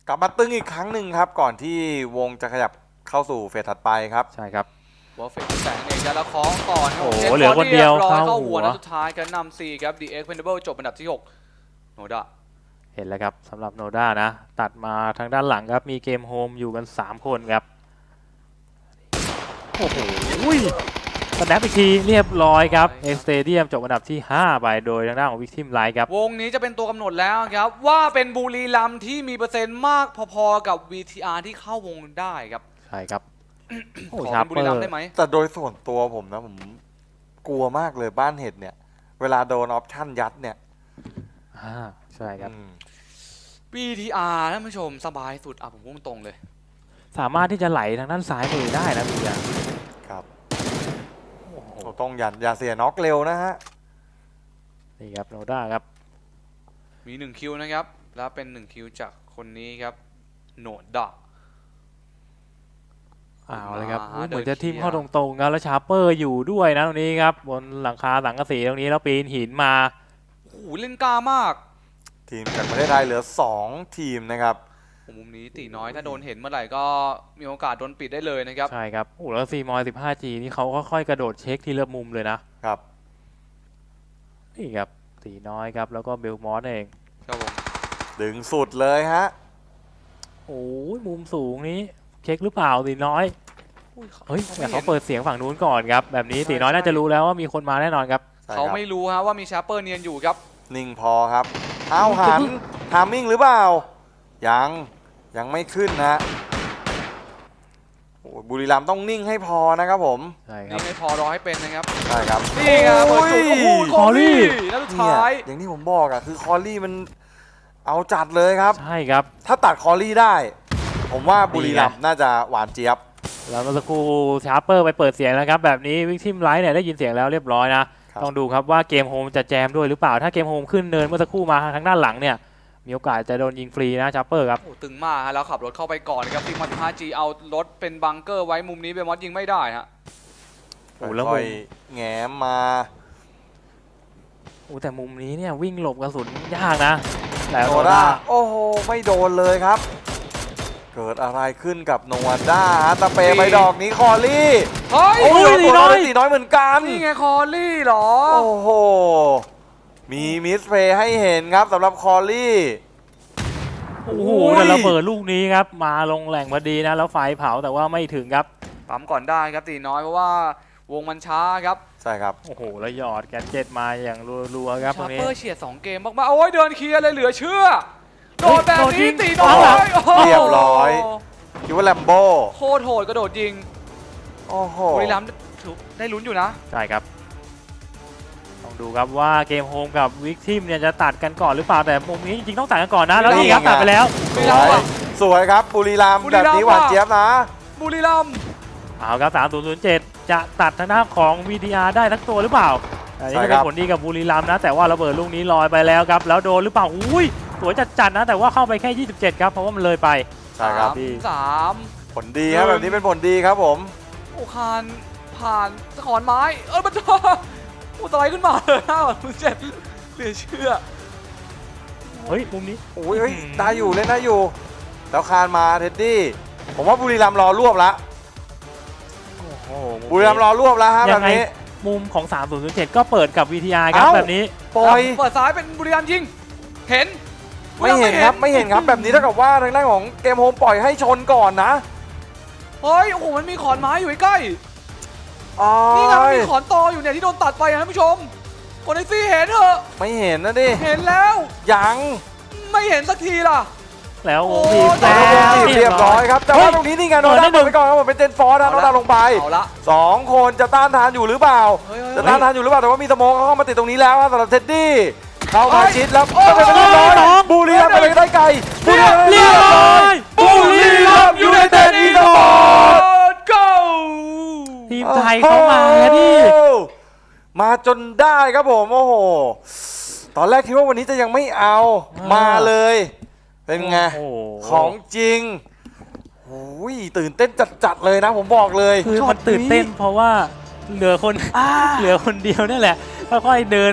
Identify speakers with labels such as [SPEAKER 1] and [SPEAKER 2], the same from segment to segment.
[SPEAKER 1] กลับมาตึงอีกครั้งหนึ่งครับก่อนที่วงจะขยับเข้าสู่เฟสถัดไปครับ
[SPEAKER 2] ใช่ครับ
[SPEAKER 3] วอลเฟกแสงเองจะละคล้องก่อนครับ
[SPEAKER 2] โอ้โหเหลือคนเดียว
[SPEAKER 3] เข้าหัว
[SPEAKER 2] เข้าหัว
[SPEAKER 3] นัดสุดท้ายกันนำ4ครับ The Expendable จบอันดับที่6โนดะ
[SPEAKER 2] เห็นแล้วครับสำหรับโนด้านะตัดมาทางด้านหลังครับมีเกมโฮมอยู่กัน3คนครับโอ้โหสแนปอีกทีเรียบร้อยครับเอ็กสเตเดียมจบอันดับที่5ไปโดยทางด้านของวิกทิมไลท์ครับ
[SPEAKER 3] วงนี้จะเป็นตัวกำหนดแล้วครับว่าเป็นบุรีรัมย์ที่มีเปอร์เซ็นต์มากพอๆกับ VTR ที่เข้าวงได้ครับ
[SPEAKER 2] ใช่ครับ
[SPEAKER 3] ขอเป็นบุรีรัมย์ได้ไหม
[SPEAKER 1] แต่โดยส่วนตัวผมนะผมกลัวมากเลยบ้านเห็ดเนี่ยเวลาโดนออปชั่นยัดเนี่ย
[SPEAKER 2] ใช่ครับ
[SPEAKER 3] VTR ท่านผู้ชมสบายสุดผมพูดตรงเลย
[SPEAKER 2] สามารถที่จะไหลทางด้านซ้ายมือได้นะพี่ยา
[SPEAKER 1] ครับต้องอย่าเสียน็อกเร็วนะฮะ
[SPEAKER 2] นี่ครับโนด้าครับ
[SPEAKER 3] มี1คิวนะครับแล้วเป็น1คิวจากคนนี้ครับโนดะ
[SPEAKER 2] เลยครับเหมือนจะทิมเข้าตรงๆครับแล้วชาร์เปอร์อยู่ด้วยนะตรงนี้ครับบนหลังคาสังกะสีตรงนี้แล้วปีนหินมา
[SPEAKER 3] โอ้โหเล่นกล้ามาก
[SPEAKER 1] ทีมจากประเทศไทยเหลือ2ทีมนะครับ
[SPEAKER 3] มุมนี้ตีน้อยถ้าโดนเห็นเมื่อไหร่ก็มีโอกาสโดนปิดได้เลยนะครับ
[SPEAKER 2] ใช่ครับโอ้แล้วซีมอย 15G นี่เขาก็ค่อยกระโดดเช็คทีละมุมเลยนะครับนี่ครับตีน้อยครับแล้วก็เบลมอสเอง
[SPEAKER 3] ครับผม
[SPEAKER 1] ดึงสุดเลยฮะ
[SPEAKER 2] โอ้ยมุมสูงนี้เช็คหรือเปล่าตีน้อยเฮ้ยแต่เขาเปิดเสียงฝั่งนู้นก่อนครับแบบนี้ตีน้อยน่าจะรู้แล้วว่ามีคนมาแน่นอนครับ
[SPEAKER 3] เขาไม่รู้ฮะว่ามีชาร์เปอร์เนียนอยู่ครับ
[SPEAKER 1] นิ่งพอครับเอาหันทามมิ่งหรือเปล่ายังไม่ขึ้นนะบุรีรัมย์ต้องนิ่งให้พอนะครับผม
[SPEAKER 2] ใช่ครับ
[SPEAKER 3] นิ่งให้พอรอให้เป็นนะครับ
[SPEAKER 1] ใช่ครับ
[SPEAKER 3] นี่ครับเปิดจุดโอ้โหคอรี่นัดสุดท้าย
[SPEAKER 1] อย่างที่ผมบอกคือคอรี่มันเอาจัดเลยครับ
[SPEAKER 2] ใช่ครับ
[SPEAKER 1] ถ้าตัดคอรี่ได้ผมว่าบุรีรัมย์น่าจะหวานเจี๊ยบ
[SPEAKER 2] แล้วเมื่อสักครู่ชาร์เปอร์ไปเปิดเสียงแล้วครับแบบนี้วิกทิมไลท์เนี่ยได้ยินเสียงแล้วเรียบร้อยนะต้องดูครับว่าเกมโฮมจะแจมด้วยหรือเปล่าถ้าเกมโฮมขึ้นเนินเมื่อสักครู่มาทางด้านหลังเนี่ยมีโอกาสจะโดนยิงฟรีนะชาร์เปอร์ครับ
[SPEAKER 3] โอ้ตึงมากฮะแล้วขับรถเข้าไปก่อนครับทีม15Gเอารถเป็นบังเกอร์ไว้มุมนี้เบมอสยิงไม่ได้ฮะ
[SPEAKER 1] โอ้แล้วแง้มมา
[SPEAKER 2] แต่มุมนี้เนี่ยวิ่งหลบกระสุนยากนะ
[SPEAKER 1] แต่โนด้าโอ้โหไม่โดนเลยครับเกิดอะไรขึ้นกับโนด้าตะเปไปดอกนี้คอรี่
[SPEAKER 3] เฮ้ย
[SPEAKER 1] โอ้ยตีน้อยเหมือนกัน
[SPEAKER 3] นี่ไงคอรี่หรอ
[SPEAKER 1] โอ้โหมีมิสเพย์ให้เห็นครับสำหรับคอรี่
[SPEAKER 2] โอ้โหแต่ระเบิดลูกนี้ครับมาลงแหล่งพอดีนะแล้วไฟเผาแต่ว่าไม่ถึงครับ
[SPEAKER 3] ปั๊มก่อนได้ครับตีน้อยเพราะว่าวงมันช้าครับ
[SPEAKER 1] ใช่ครับ
[SPEAKER 2] โอ้โหแล้วหยอดแกนเจ็ตมาอย่างรัวๆครับตรงนี้
[SPEAKER 3] ชาร์เปอร์เฉียด2เกมมากๆโอ้ยเดินเคลียร์เลยเหลือเชื่อโดดแบบนี้ตีน้อย
[SPEAKER 1] เรียบร้อยคิดว่าแลมโบ้
[SPEAKER 3] โคตรโหดกระโดดยิง
[SPEAKER 1] โอ้โห
[SPEAKER 3] บุรีรัมย์ได้ลุ้นอยู่นะ
[SPEAKER 2] ใช่ครับต้องดูครับว่าเกมโฮมกับวิกทิมเนี่ยจะตัดกันก่อนหรือเปล่าแต่มุมนี้จริงๆต้องตัดกันก่อนนะแล้วนี่ครับตัดไปแล้ว
[SPEAKER 1] สวยครับบุรีรัมย์แบบนี้หวานเจี๊ยบนะ
[SPEAKER 3] บุรีรัมย์
[SPEAKER 2] เอาครับ3007จะตัดทางด้านของ VTR ได้ทั้งตัวหรือเปล่าอันนี้เป็นผลดีกับบุรีรัมย์นะแต่ว่าระเบิดลูกนี้ลอยไปแล้วครับแล้วโดนหรือเปล่าอุ้ยสวยจัดๆนะแต่ว่าเข้าไปแค่27ครับเพราะว่ามันเลยไป
[SPEAKER 1] ใช่ครับ
[SPEAKER 3] 3
[SPEAKER 1] ผลดีครับแบบนี้เป็นผลดีครับผม
[SPEAKER 3] โอ้คานผ่านสะขอนไม้มันอุตไลขึ้นมาเลย57เหลือเชื่อ
[SPEAKER 2] เฮ้ยมุมนี้
[SPEAKER 1] โอ้ยได้อยู่เล่นได้อยู่แล้วคานมาเท็ดดี้ผมว่าบุรีรัมย์รอรวบละบุรีรัมย์รอรวบแล้วฮะแบบนี้
[SPEAKER 2] มุมของ3007ก็เปิดกับ VTR ครับแบบนี้
[SPEAKER 1] ปล่อย
[SPEAKER 3] เปิดซ้ายเป็นบุรีรัมย์ยิงเห็น
[SPEAKER 1] ไม่เห็นครับแบบนี้เท่ากับว่าทางด้านของเกมโฮมปล่อยให้ชนก่อนนะ
[SPEAKER 3] เฮ้ยโอ้โหมันมีขอนไม้อยู่ใกล้นี่ไงมีขอนตออยู่เนี่ยที่โดนตัดไปนะท่านผู้ชมคนไอซี่เห็นเหรอ
[SPEAKER 1] ไม่เห็นนะดิ
[SPEAKER 3] เห็นแล้ว
[SPEAKER 1] ยัง
[SPEAKER 3] ไม่เห็นสักทีล่ะ
[SPEAKER 2] แล้ว
[SPEAKER 1] บีบเรียบร้อยครับแต่ว่าตรงนี้นี่ไงโนด้าเปิดไปก่อนครับผมเป็นเจนฟอร์นะโนด้าลงไป2คนจะต้านทานอยู่หรือเปล่าจะต้านทานอยู่หรือเปล่าแต่ว่ามีสโมกเข้ามาติดตรงนี้แล้วสำหรับเท็ดดี้เข้ามาชิดแล้วเป็นเรียบร้อยบุรีรัมย์ไปได้ไกล
[SPEAKER 2] เรียบร้อย
[SPEAKER 1] บุรีรัมย์ยูไนเต็ดอีสปอร์ต
[SPEAKER 3] go
[SPEAKER 2] ทีมไทยเข้ามาดิ
[SPEAKER 1] มาจนได้ครับผมโอ้โหตอนแรกคิดว่าวันนี้จะยังไม่เอามาเลยเป็นไงของจริงโอ้ยตื่นเต้นจัดๆเลยนะผมบอกเลย
[SPEAKER 2] คือมันตื่นเต้นเพราะว่าเหลือคนเดียวนี่แหละค่อยๆเดินมา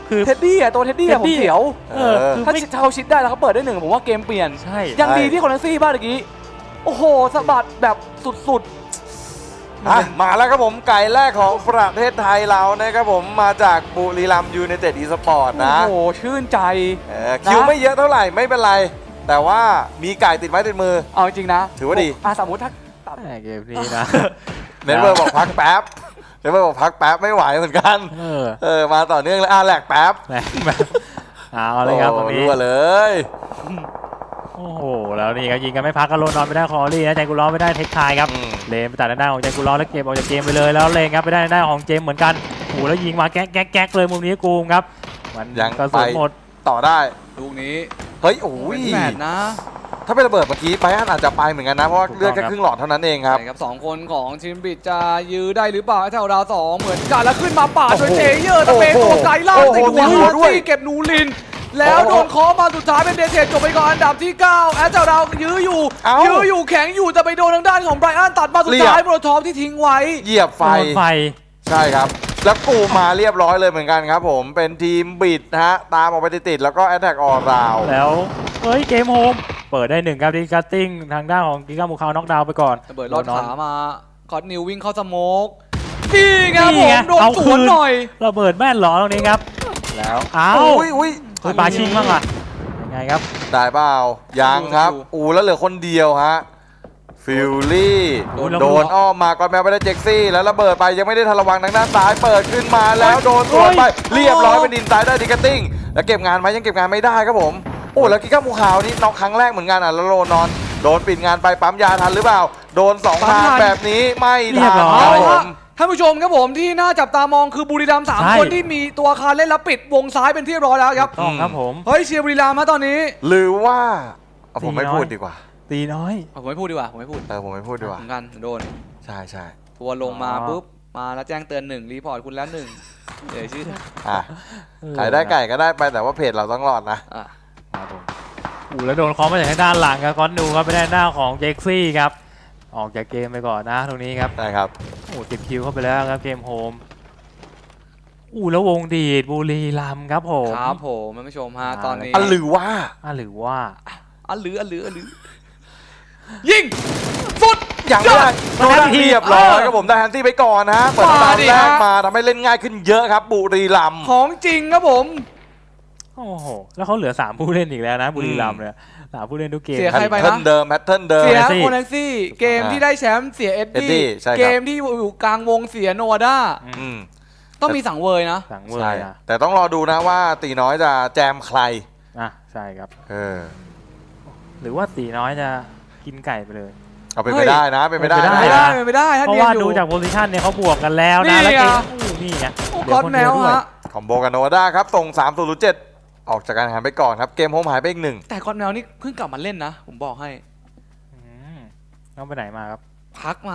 [SPEAKER 2] คือ
[SPEAKER 3] เท็ดดี้อะตัวเท็ดดี้อะผมเสียว
[SPEAKER 2] คือ
[SPEAKER 3] ถ้า
[SPEAKER 2] ไม่
[SPEAKER 3] เขาชิดได้แล้วเขาเปิดได้หนึ่งผมว่าเกมเปลี่ยน
[SPEAKER 2] ใช่
[SPEAKER 3] ยังดีที่คอนเนซี่บ้านเมื่อกี้โอ้โหสะบัดแบบสุด
[SPEAKER 1] มาแล้วครับผมไก่แรกของประเทศไทยเรานะครับผมมาจากบุรีรัมย์ยูไนเต็ดอีสปอร์ต
[SPEAKER 3] ๆ
[SPEAKER 1] นะ
[SPEAKER 3] โอ้โหชื่นใจ
[SPEAKER 1] คิวไม่เยอะเท่าไหร่ไม่เป็นไร แต่ว่ามีไก่ติดไม้ติดมือ
[SPEAKER 3] เอาจริงๆนะ
[SPEAKER 1] ถือว่าดี
[SPEAKER 3] สมมติถ้าตัด
[SPEAKER 2] แหม่เกมนี้นะ
[SPEAKER 1] เน็ตเวิร์กบอกพักแป๊บเน็ตเวิร์กบอกพักแป๊บไม่ไหวเหมือนกัน มาต่อเนื่องเลยแหลกแป๊บ
[SPEAKER 2] แหม่แบบเอาเลยครับตรงนี้
[SPEAKER 1] รั่วเลย
[SPEAKER 2] โอ้โหแล้วนี่ครับยิงกันไม่พักก็โลนอนไปได้คอรี่นะใจกูร้อนไม่ได้เทคทายครับ เลนไปตัดด้านของใจกูร้อนแล้วเก็บออกจากเกมไปเลยแล้วเลนครับไปได้ด้านของเจมเหมือนกันโอ้โหแล้วยิงมาแก๊กเลยมุมนี้กูมครับมัน
[SPEAKER 1] ยัง
[SPEAKER 2] กระสุนหมด
[SPEAKER 1] ต่อได้
[SPEAKER 3] ลูกนี้
[SPEAKER 1] เฮ้ยโอ้ย
[SPEAKER 3] เป็นแมตช์นะ
[SPEAKER 1] ถ้าเป็นระเบิดเมื่อกี้ไปอาจจะไปเหมือนกันนะเพราะว่าเลือดแค่ครึ่งหลอดเท่านั้นเองครับ
[SPEAKER 3] ใช่ครับสองคนของทีมบิดจะยื้อได้หรือเปล่าแถวดาวสองเหมือนกันแล้วขึ้นมาปาดโดยเจเยอร์ตะเปนตัวไกลล่างติดหัวฮาร์ซี่เก็บนูริน แล้วโดนเคอมาสุดท้ายเป็นเดเทจจบไปก่อนอันดับที่ 9 แอสเจ้าดาวยื้ออยู่แข็งอยู่แต่ไปโดนทางด้านของไบรอันตัดมาสุดท้ายโมโรทอฟที่ทิ้งไว้
[SPEAKER 1] เหยียบไฟ
[SPEAKER 2] โดนไฟ
[SPEAKER 1] ใช่ครับ แล้วกูมาเรียบร้อยเลยเหมือนกันครับผมเป็นทีมบิดนะฮะตามออกไปติดๆแล้วก็แอตแทกออราว
[SPEAKER 2] แล้วเฮ้ยเกมโฮมเปิดได้หนึ่งครับดีคัตติ้งทางด้านของกิก้ามูคาวน็อกดาวน์ไปก่อน
[SPEAKER 3] ระเบิดลอดขามาคอร์ดนิววิ่งเข้าสโมกนี่ไงผมโดน
[SPEAKER 2] เอา
[SPEAKER 3] ส
[SPEAKER 2] คื
[SPEAKER 3] วน
[SPEAKER 2] น
[SPEAKER 3] หน่อย
[SPEAKER 2] ระเบิดแม่นหรอตรงนี้ครับ แล้วอ้าว
[SPEAKER 1] อุ้ย
[SPEAKER 2] คือปาชิงบ้างอ่ะยังไงครับ
[SPEAKER 1] ได้เปล่ายังครับแล้วเหลือคนเดียวฮะฟิลลี่โดนอ้อมมาก่อนแมวไปได้เจ็กซี่แล้วระเบิดไปยังไม่ได้ทันระวังทางด้านซ้ายเปิดขึ้นมาแล้วโดนสวนไปเรียบร้อยเป็นดินซ้ายได้ดิกติ้งแล้วเก็บงานไหมยังเก็บงานไม่ได้ครับผมโอ้แล้วกิก้ามูขาวนี่น็อกครั้งแรกเหมือนกันอ่ะแล้วโลนอนโดนปิดงานไปปั๊มยาทันหรือเปล่าโดน2 ทางแบบนี้ไม่ทันครับผม
[SPEAKER 3] ท่านผู้ชมครับผมที่น่าจับตามองคือบุรีรัมย์3 คนที่มีตัวอาคารเล่นแล้วปิดวงซ้ายเป็นที่เรียบร้อยแล้วครับ
[SPEAKER 2] ต้องครับผม
[SPEAKER 3] เฮ้ยเชียร์บุรีรัมย์มาตอนนี้
[SPEAKER 1] หรือว่าผมไม่พูดดีกว่า
[SPEAKER 2] ตีน้อย
[SPEAKER 3] ผมไม่พูดดีกว่าผมไม่พูด
[SPEAKER 1] ผมไม่พูดดีกว่า
[SPEAKER 3] เหมือนกันโดน
[SPEAKER 1] ใช่
[SPEAKER 3] ทัวร์ลงมาปุ๊บมาแล้วแจ้งเตือน1รีพอร์ตคุณแล้ว1เดี๋ยวชื่อ
[SPEAKER 1] อ่ะขายได้ไก่ก็ได้ไปแต่ว่าเพจเราต้องรอดนะ
[SPEAKER 3] อ่ะ
[SPEAKER 2] ครับผมแล้วโดนเคอมาจากทางด้านหลังครับก้อนดูครับไปได้หน้าของเจ็กซี่ครับออกจากเกมไปก่อนนะตรงนี้ครับ
[SPEAKER 1] ได้ครับ
[SPEAKER 2] โอ้ติดคิวเข้าไปแล้วครับเกมโฮมแล้ววงดีดบุรีรัมย์ครับผม
[SPEAKER 3] ครับผมท่านผู้ชมฮะตอนนี้
[SPEAKER 1] หรือว่า
[SPEAKER 2] หรือว่า
[SPEAKER 3] อันหรือยิงสุด
[SPEAKER 1] ยังไม่ได้โดนเรียบร้อยครับผมได้แฮนซี่ไปก่อนนะเปิดตามแรกมาทำให้เล่นง่ายขึ้นเยอะครับบุรีรัมย์
[SPEAKER 3] ของจริงครับผม
[SPEAKER 2] โอ้โหแล้วเขาเหลือ3ผู้เล่นอีกแล้วนะบุรีรัมย์เนี่ย3ผู้เล่นทุกเกม
[SPEAKER 3] เสียใครไป
[SPEAKER 1] แพทเทิร์นเดิม
[SPEAKER 3] เสีย
[SPEAKER 2] ซี่
[SPEAKER 3] โคนันซี่เกมที่ได้แชมป์เสียเอ็ด
[SPEAKER 1] เอ็ดดี้
[SPEAKER 3] ดี้
[SPEAKER 1] ใช่ครับ
[SPEAKER 3] เกมที่อยู่กลางวงเสียโนวาด้า
[SPEAKER 1] อืม
[SPEAKER 3] ต้องมีสังเวยนะ
[SPEAKER 2] สั่งเวอ
[SPEAKER 1] ใช่
[SPEAKER 2] ร์นะ
[SPEAKER 1] แต่ต้องรอดูนะว่าตีน้อยจะแจมใคร
[SPEAKER 2] ใช่ครับหรือว่าตีน้อยจะกินไก่ไปเลย
[SPEAKER 1] เอาเป็นไปได้นะเป็นไปได้
[SPEAKER 3] ไม่ได้ถ้า
[SPEAKER 2] เพราะ
[SPEAKER 3] เนียน
[SPEAKER 2] ว่า
[SPEAKER 3] อยู่
[SPEAKER 2] ดูจากโพซิชันเนี่ยเขาบวกกันแล้ว
[SPEAKER 3] นี่
[SPEAKER 2] นะแล้วเกม
[SPEAKER 3] ไง
[SPEAKER 2] นี่ไง
[SPEAKER 3] โอ้
[SPEAKER 2] เหลื
[SPEAKER 3] ก้อน
[SPEAKER 2] คน
[SPEAKER 3] แม
[SPEAKER 2] เดียว ด้วย
[SPEAKER 3] ฮะ
[SPEAKER 1] คอมโบกับโนวาด้าครับส่ง3-0-7ออกจากการแข่งขันไปก่อนครับเกมโฮมหายไปอีก 1
[SPEAKER 3] แต่ก้อนแมวนี่เพิ่งกลับมาเล่นนะ ผมบอกให้
[SPEAKER 2] ต้องไปไหนมาครับ
[SPEAKER 3] พักมาย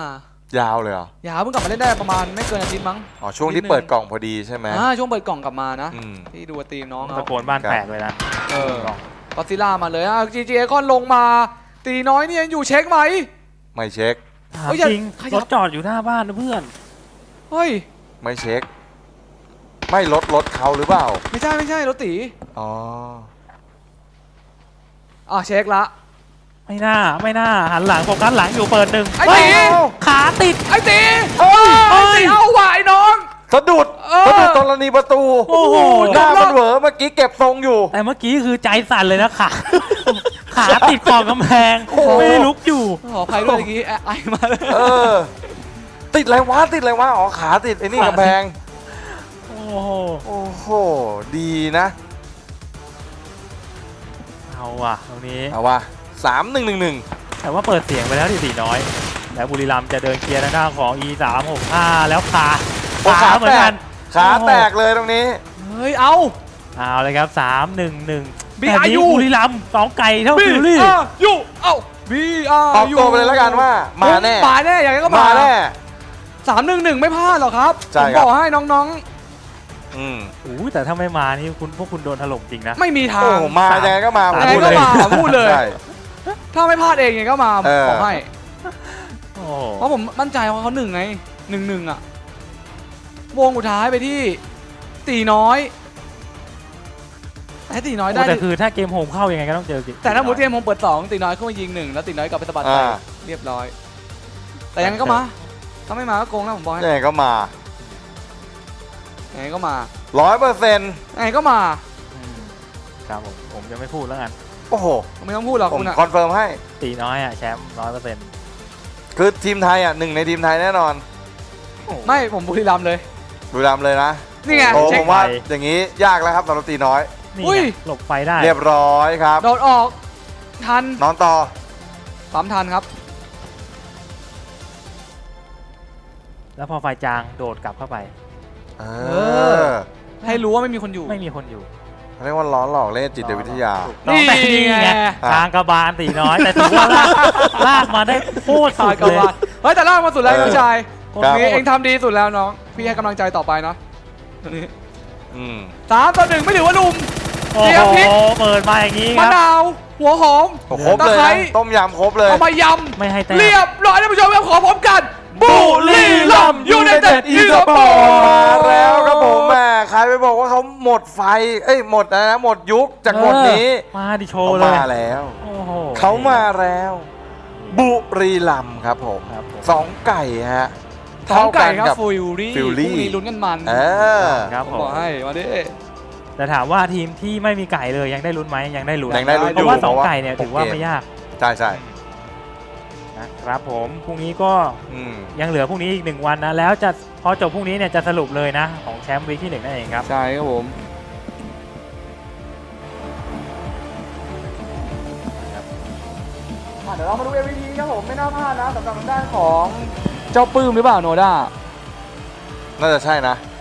[SPEAKER 1] าวเลยเหรอ
[SPEAKER 3] อย่าเพิ่งกลับมาเล่นได้ประมาณไม่เกินอาทิตย์มั้ง
[SPEAKER 1] อ๋อช่วงที่เปิดกล่องพอดีใช่ไหม
[SPEAKER 3] ช่วงเปิดกล่องกลับมานะ
[SPEAKER 1] อืม
[SPEAKER 3] ที่ดูทีมน้อง
[SPEAKER 2] ตะ
[SPEAKER 3] เขา
[SPEAKER 2] โกนบ้านแตกเลยนะ
[SPEAKER 3] ก็ซิล่ามาเลยGG คอนลงมาตีน้อยนี่ยังอยู่เช็คไหม
[SPEAKER 1] ไม่เช็ค
[SPEAKER 2] ถาม
[SPEAKER 3] เฮ้ยอย่า
[SPEAKER 2] จริง
[SPEAKER 3] ขยับ
[SPEAKER 2] รถจอดอยู่หน้าบ้านนะเพื่อน
[SPEAKER 3] เฮ้ย
[SPEAKER 1] ไม่เช็ค ไม่ลดเขาหรือเปล่า
[SPEAKER 3] ไม่ใช่รถตี
[SPEAKER 1] อ๋อ
[SPEAKER 3] เช็คละ
[SPEAKER 2] ไม่น่าหันหลังโฟกัสหลังอยู่เปิดหนึ่ง
[SPEAKER 3] ไอ้
[SPEAKER 2] เฮ้ย
[SPEAKER 3] ตี
[SPEAKER 2] ขาติด
[SPEAKER 3] ไอ้ตี
[SPEAKER 1] เฮ้ย
[SPEAKER 3] ไอ้ตีเอาไหวน้อง
[SPEAKER 1] สะดุดตรณีประตู
[SPEAKER 2] โอ้โห
[SPEAKER 1] หน้ามันเหวอเมื่อกี้เก็บทรงอยู่
[SPEAKER 2] แต่เมื่อกี้คือใจสั่นเลยนะขาขาติดขอบกำแพง
[SPEAKER 1] โอ้โห
[SPEAKER 2] ไม่ได้ลุกอยู่
[SPEAKER 3] ขอใครด้วยเมื่อกี้ไอมาเลย
[SPEAKER 1] ติดอะไรวะอ๋อขาติดไอ้นี่กำแพง
[SPEAKER 2] โอ้โห
[SPEAKER 1] โอ้โหดีนะ
[SPEAKER 2] เอาว่ะตรงนี้
[SPEAKER 1] เอาวะ3-1-1-1
[SPEAKER 2] แต่ว่าเปิดเสียงไปแล้วที่ตีน้อย แล้วบุรีรัมย์จะเดินเคลียร์หน้าของ E365 แล้วขาเหมือนกัน
[SPEAKER 1] ขาแตกเลยตรงนี้
[SPEAKER 3] เฮ้ยเอา
[SPEAKER 2] เลยครับ3-1-1
[SPEAKER 3] BRU
[SPEAKER 2] แบบนี้บุรีรัมย์2ไก่เท่าฟิลลี่
[SPEAKER 3] ยูเอ้า BRU
[SPEAKER 1] ออกตัวไปเลยแล้วกันว่ามาแน่
[SPEAKER 3] มาแน่อย่างนี้ก็
[SPEAKER 1] มาแน่
[SPEAKER 3] 3-1-1ไม่พลาดหรอกครับ
[SPEAKER 1] ใช่
[SPEAKER 3] ผม
[SPEAKER 1] ครับ
[SPEAKER 3] บอกให้น้อง
[SPEAKER 1] อืม
[SPEAKER 2] แต่ถ้าไม่มานี่พวกคุณโดนถล่มจริงนะ
[SPEAKER 3] ๆ ไม่มีทา
[SPEAKER 1] โอ้
[SPEAKER 3] ง
[SPEAKER 1] โหมายังไงก็มาผม
[SPEAKER 3] ยังไง
[SPEAKER 1] พูด
[SPEAKER 3] ก็
[SPEAKER 1] เลย
[SPEAKER 3] มาพูดเลย
[SPEAKER 1] ใช่
[SPEAKER 3] ถ้าไม่พลาดเองยังไงก็มา
[SPEAKER 1] เออ
[SPEAKER 3] บอกให้
[SPEAKER 2] โอ้
[SPEAKER 3] เพราะผมมั่นใจว่าเขา1ไง1-1วงสุดท้ายไปที่ตีน้อยให้ตีน้อยได้
[SPEAKER 2] แต่คือถ้าเกมโฮมเข้ายังไงก็ต้องเจอ
[SPEAKER 3] แต่ถ้าหมูเทียมผมเปิด2ตีน้อยเข้ามายิง1แล้วตีน้อยกลับไปสะบัดไปเรียบร้อยแต่ยังไงก็มาถ้าไม่มาก็โกงนะผมบอกให้
[SPEAKER 1] ยังไงก็มา
[SPEAKER 3] ยังไงก็มา
[SPEAKER 1] 100%
[SPEAKER 3] ยังไงก็มา
[SPEAKER 2] ครับผมจะไม่พูดแล้วกัน
[SPEAKER 1] โอ้โห
[SPEAKER 3] ไม่ต้องพูดหรอก
[SPEAKER 1] ผม
[SPEAKER 3] คุณอะ
[SPEAKER 1] คอนเฟิร์มให้
[SPEAKER 2] ตีน้อยอ่ะแชมป์100%
[SPEAKER 1] คือทีมไทยอ่ะหนึ่งในทีมไทยแน่นอน
[SPEAKER 3] ไม่ผมบุรีรัมย์เลย
[SPEAKER 1] บุรีรัมย์เลยนะ
[SPEAKER 3] นี่ไง
[SPEAKER 1] โอ้
[SPEAKER 3] เช็
[SPEAKER 1] ผ
[SPEAKER 3] ค
[SPEAKER 1] มว่าอย่างนี้ยากแล้วครับสำหรับตีน้อย
[SPEAKER 2] นี่
[SPEAKER 3] อุ้ย
[SPEAKER 2] ไงหลบไฟได้
[SPEAKER 1] เรียบร้อยครับ
[SPEAKER 3] โดดออกทัน
[SPEAKER 1] นอนต่อ
[SPEAKER 3] ปั๊มทันครับ
[SPEAKER 2] แล้วพอไฟจางโดดกลับเข้าไป
[SPEAKER 1] เอ
[SPEAKER 3] อ ให้รู้ว่าไม่มีคนอยู่
[SPEAKER 2] ไม่มีคนอยู่
[SPEAKER 1] เรียกว่าล้อหลอกเล่นจิตวิทยา
[SPEAKER 3] นี่
[SPEAKER 2] แต่นี่ไงทางกระบาลตีน้อย แต่ถือว่าลากมาได้โคตรสุ
[SPEAKER 3] ถ่าย
[SPEAKER 2] ด
[SPEAKER 3] กับ
[SPEAKER 2] เลย
[SPEAKER 3] ว่าเฮ้ยแต่ล่างมาสุดแล้ว
[SPEAKER 1] เออ
[SPEAKER 3] น้องชาย
[SPEAKER 1] ครับ
[SPEAKER 3] นี่เองทำดีสุดแล้วน้องพี่ให้กำลังใจต่อไปเนาะตรงนี้
[SPEAKER 1] อืม
[SPEAKER 3] 3-1ไม่ถือว่าลุม
[SPEAKER 2] โอ้
[SPEAKER 3] เตรียม
[SPEAKER 2] โห
[SPEAKER 3] พริก
[SPEAKER 2] เปิดมาอย่างนี้ค
[SPEAKER 3] มะ
[SPEAKER 2] รับ
[SPEAKER 3] นาวหัวหอม
[SPEAKER 1] โอ้ครบเลย
[SPEAKER 3] ตะไคร้
[SPEAKER 1] นะต้มยำครบเลย
[SPEAKER 3] เอามาย
[SPEAKER 2] ไม่ให้แต้
[SPEAKER 3] ำ
[SPEAKER 2] ม
[SPEAKER 3] เรียบร้อยท่านผู้ชมครับขอพร้อมกันบุรีรัมย์ยูไนเต็ดอีสปอร์
[SPEAKER 1] มาแล้วครับผมแหมใครไปบอกว่าเขาหมดไฟ เอ้ยหมดอะไรนะหมดยุคจากหมดนี้
[SPEAKER 2] มาดิโช
[SPEAKER 1] เขา
[SPEAKER 2] ว์เลย
[SPEAKER 1] มาแล้ว
[SPEAKER 2] โอ้โห
[SPEAKER 1] เขามาแล้ว บุรีรัมย์ครับผม
[SPEAKER 2] ครับผม
[SPEAKER 1] สองไก่ฮะ
[SPEAKER 3] สองไก่ครับ
[SPEAKER 1] เท่ากันกับ
[SPEAKER 3] ฟิลลี่
[SPEAKER 1] ฟิลลี่
[SPEAKER 3] พรุ่งนี้ลุ้นกันมัน
[SPEAKER 1] เออ
[SPEAKER 2] ครับ
[SPEAKER 3] ผ
[SPEAKER 2] ผม ม
[SPEAKER 3] บอกให้มาดิ
[SPEAKER 2] แต่ถามว่าทีมที่ไม่มีไก่เลยยังได้ลุ้นไหมยังได้ลุ้น
[SPEAKER 1] ยังได้ลุ้น
[SPEAKER 2] เพราะว่า
[SPEAKER 1] อยู่
[SPEAKER 2] สอง
[SPEAKER 1] เพราะว่า
[SPEAKER 2] ไก่เนี่ยถือว่า
[SPEAKER 1] 6
[SPEAKER 2] ไม่ยาก
[SPEAKER 1] ใช่ใช่
[SPEAKER 2] นะครับผมพรุ่งนี้ก็
[SPEAKER 1] อืม
[SPEAKER 2] ยังเหลือพรุ่งนี้อีก1วันนะแล้วจะพอจบพรุ่งนี้เนี่ยจะสรุปเลยนะของแชมป์วีคที่1นั่นเองครับ
[SPEAKER 3] ใช่ครับผมเดี๋ยวเรามาดู MVP ครับผมไม่น่าพลาดนะสำหรับทางด้านของเจ้าปื้มหรือเปล่าโนด้า
[SPEAKER 1] น่าจะใช่นะ